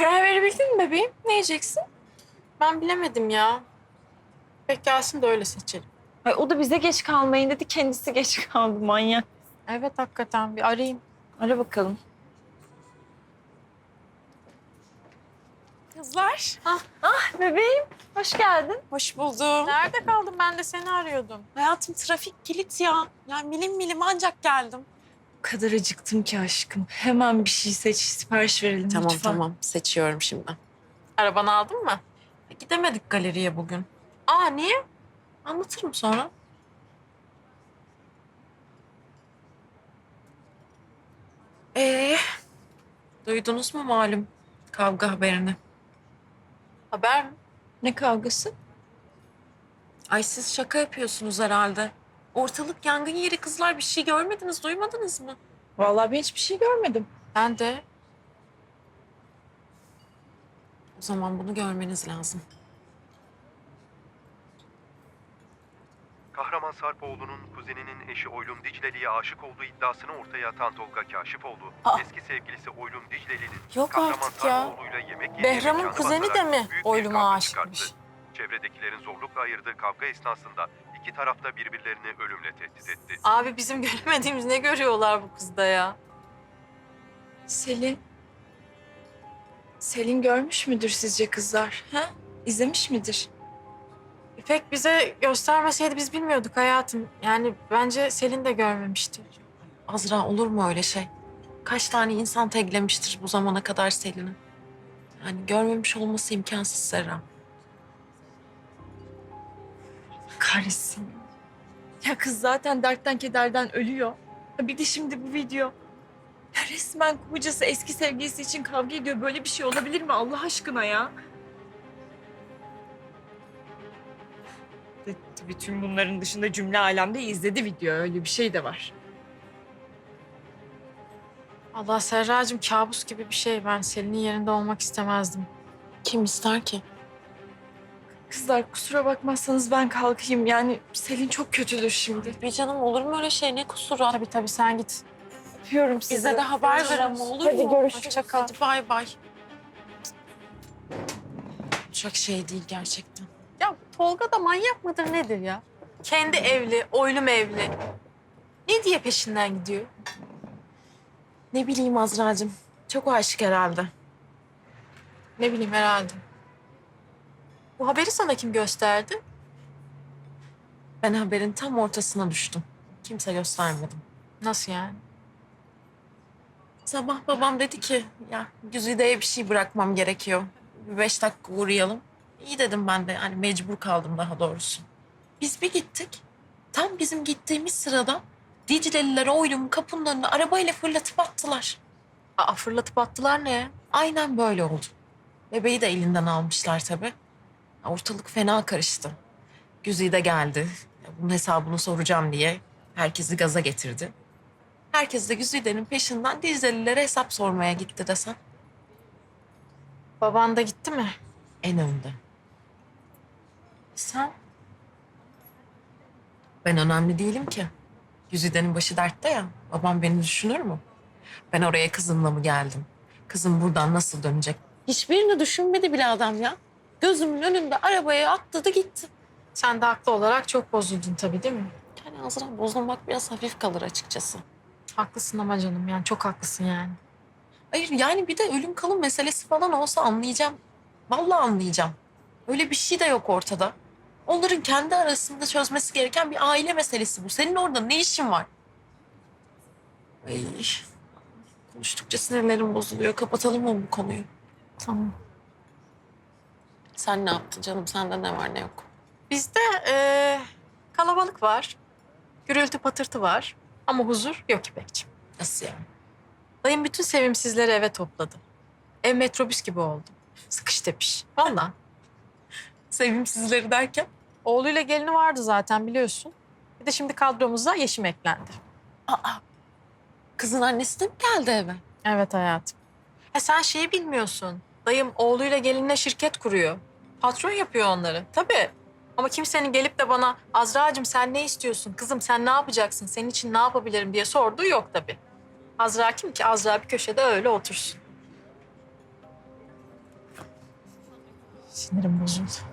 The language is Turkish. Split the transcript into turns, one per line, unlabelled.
Karar verebildin mi bebeğim? Ne yiyeceksin?
Ben bilemedim ya. Pek gelsin de öyle seçelim.
Ay, o da bize geç kalmayın dedi. Kendisi geç kaldı manyak.
Evet hakikaten bir arayayım.
Ara bakalım. Kızlar. Ah bebeğim. Hoş geldin.
Hoş buldum.
Nerede kaldın? Ben de seni arıyordum.
Hayatım trafik kilit ya. Yani milim milim ancak geldim.
O kadar acıktım ki aşkım. Hemen bir şey seç, sipariş verelim
Tamam
lütfen.
tamam seçiyorum şimdi.
Arabanı aldın mı?
Gidemedik galeriye bugün.
Aa niye?
Anlatırım sonra. Ee, duydunuz mu malum kavga haberini?
Haber mi?
Ne kavgası?
Ay siz şaka yapıyorsunuz herhalde. Ortalık yangın yeri kızlar, bir şey görmediniz, duymadınız mı?
Vallahi ben hiçbir şey görmedim.
Ben de.
O zaman bunu görmeniz lazım.
Kahraman Sarpoğlu'nun kuzeninin eşi Oylum Dicleli'ye aşık olduğu iddiasını ortaya atan Tolga Kaşifoğlu, eski sevgilisi Oylum Dicleli'nin
Yok
Kahraman
artık ya.
Sarpoğlu'yla yemek yediği
Behram'ın
mekanı
kuzeni
basarak
de mi
büyük bir
Oylum'a
kavga
aşıkmış?
çıkarttı. Çevredekilerin zorlukla ayırdığı kavga esnasında iki taraf da birbirlerini ölümle tehdit etti.
Abi bizim göremediğimiz ne görüyorlar bu kızda ya?
Selin. Selin görmüş müdür sizce kızlar? Ha? İzlemiş midir?
İpek bize göstermeseydi biz bilmiyorduk hayatım. Yani bence Selin de görmemiştir.
Azra, olur mu öyle şey? Kaç tane insan teklemiştir bu zamana kadar Selin'i? Yani görmemiş olması imkansız Serra.
Kahretsin. Ya kız zaten dertten kederden ölüyor. Ya bir de şimdi bu video. Ya resmen kocası eski sevgilisi için kavga ediyor. Böyle bir şey olabilir mi Allah aşkına ya? Tabii tüm bunların dışında cümle alemde izledi video. Öyle bir şey de var.
Allah Serracığım kabus gibi bir şey. Ben Selin'in yerinde olmak istemezdim.
Kim ister ki?
Kızlar kusura bakmazsanız ben kalkayım. Yani Selin çok kötüdür şimdi.
Bir canım, olur mu öyle şey? Ne kusuru?
Tabii sen git.
Öpüyorum sizi.
Bize de haber ver ama, olur
Hadi
mu?
görüşürüz.
Hoşça kal. Hadi bay bay. Çok şey değil gerçekten.
Ya Tolga da manyak mıdır nedir ya? Kendi evli, oylum evli. Ne diye peşinden gidiyor?
Ne bileyim Azra'cığım. Çok aşık herhalde.
Ne bileyim herhalde. Bu haberi sana kim gösterdi?
Ben haberin tam ortasına düştüm. Kimse göstermedim.
Nasıl yani?
Sabah babam dedi ki ya Güzide'ye bir şey bırakmam gerekiyor. Bir 5 dakika uğrayalım. İyi dedim ben de, hani mecbur kaldım daha doğrusu. Biz bir gittik. Tam bizim gittiğimiz sırada Dicleliler Oylum'un kapının önüne arabayla fırlatıp attılar.
Aa fırlatıp attılar ne?
Aynen böyle oldu. Bebeği de elinden almışlar tabii. Ortalık fena karıştı. Güzide geldi. Bunun hesabını soracağım diye herkesi gaza getirdi. Herkes de Güzide'nin peşinden Diclelilere hesap sormaya gitti desem.
Baban da gitti mi?
En önde.
Sen?
Ben önemli değilim ki. Güzide'nin başı dertte ya. Babam beni düşünür mü? Ben oraya kızımla mı geldim? Kızım buradan nasıl dönecek? Hiçbirini düşünmedi bile adam ya. Gözümün önünde arabaya atladı gitti.
Sen de haklı olarak çok bozuldun tabii değil mi?
Yani Azra, bozulmak biraz hafif kalır açıkçası.
Haklısın ama canım yani çok haklısın yani.
Hayır yani bir de ölüm kalım meselesi falan olsa anlayacağım. Vallahi anlayacağım. Öyle bir şey de yok ortada. Onların kendi arasında çözmesi gereken bir aile meselesi bu. Senin orada ne işin var? Ay, konuştukça sinirlerim bozuluyor. Kapatalım mı bu konuyu?
Tamam.
Sen ne yaptın canım? Sende ne var ne yok?
Bizde kalabalık var. Gürültü patırtı var. Ama huzur yok İpekciğim.
Nasıl yani?
Dayım bütün sevimsizleri eve topladı. Ev metrobüs gibi oldu. Sıkış tepiş. Vallahi.
Sevimsizleri derken?
Oğluyla gelini vardı zaten biliyorsun. Bir de şimdi kadromuza Yeşim eklendi.
Aa, kızın annesi de mi geldi eve?
Evet hayatım. Sen şeyi bilmiyorsun. Dayım oğluyla gelinine şirket kuruyor. Patron yapıyor onları. Tabii. Ama kimsenin gelip de bana Azra'cığım sen ne istiyorsun? Kızım sen ne yapacaksın? Senin için ne yapabilirim diye sorduğu yok tabii. Azra kim ki? Azra bir köşede öyle otursun. Sinirim bozuldu.